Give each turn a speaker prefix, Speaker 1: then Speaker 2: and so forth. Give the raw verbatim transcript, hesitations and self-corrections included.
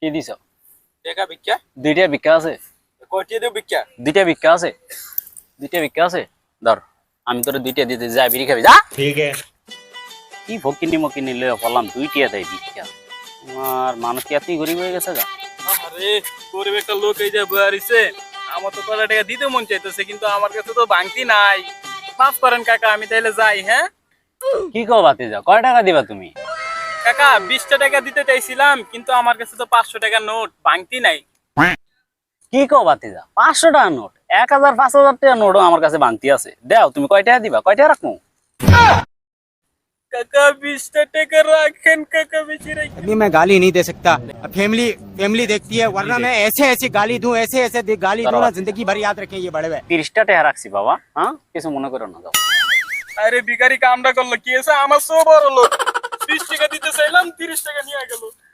Speaker 1: কি দিছ?
Speaker 2: টাকা ভিক্ষা?
Speaker 1: দুইটা ভিক্ষা আছে।
Speaker 2: কয়টি দেব ভিক্ষা?
Speaker 1: দুইটা ভিক্ষা আছে। দুইটা ভিক্ষা আছে। ধর আমি তোরে দুইটা দিতে যা বিড়ি খাবি যা।
Speaker 3: ठीक है।
Speaker 1: কি ফকিনি মকিনি লয়ে পড়লাম দুইটা দেয় ভিক্ষা। আমার মানুষ কি এতই গরিব হয়ে গেছে গা?
Speaker 2: আরে গরিব একটা লোক এই যে বয়ারিছে, আমার তো কয়টা টাকা দিতে মন চাইতেছে, কিন্তু আমার কাছে তো ভাঙতি নাই। মাফ করেন কাকা, আমি তাইলে যাই। হ্যাঁ
Speaker 1: কি কও বাতি যা, কয় টাকা দিবা তুমি?
Speaker 2: কাকা, বিশটা টাকা দিতে চাইছিলাম, কিন্তু আমার কাছে তো পাঁচশো টাকার নোট ভাঙতি নাই।
Speaker 1: কি কও বাতি যা, পাঁচশো টাকা নোট, এক হাজার পাঁচ হাজার টাকা নোটও আমার কাছে বাংতি আছে। দেও তুমি কয় টাকা দিবা, কয় টাকা রাখবো?
Speaker 2: কাকা বিশটা টাকা রাখেন কাকা, বেশি রাখেন।
Speaker 3: अभी मैं गाली नहीं दे सकता। फैमिली फैमिली देखती है, वरना मैं ऐसे ऐसी गाली दूं, ऐसे ऐसे दे- गाली दूं ना, जिंदगी भर याद रखें ये बड़े हुए।
Speaker 1: তিরিশটা টাকা রাখছি বাবা। হ্যাঁ কিছু মনে করো না। যাও
Speaker 2: আরে ভিখারি কামটা করলো কি, এসে আমার সব বড় লোক। বিশ টাকা দিতে চাইলাম, তিরিশ টাকা নিয়ে গেল।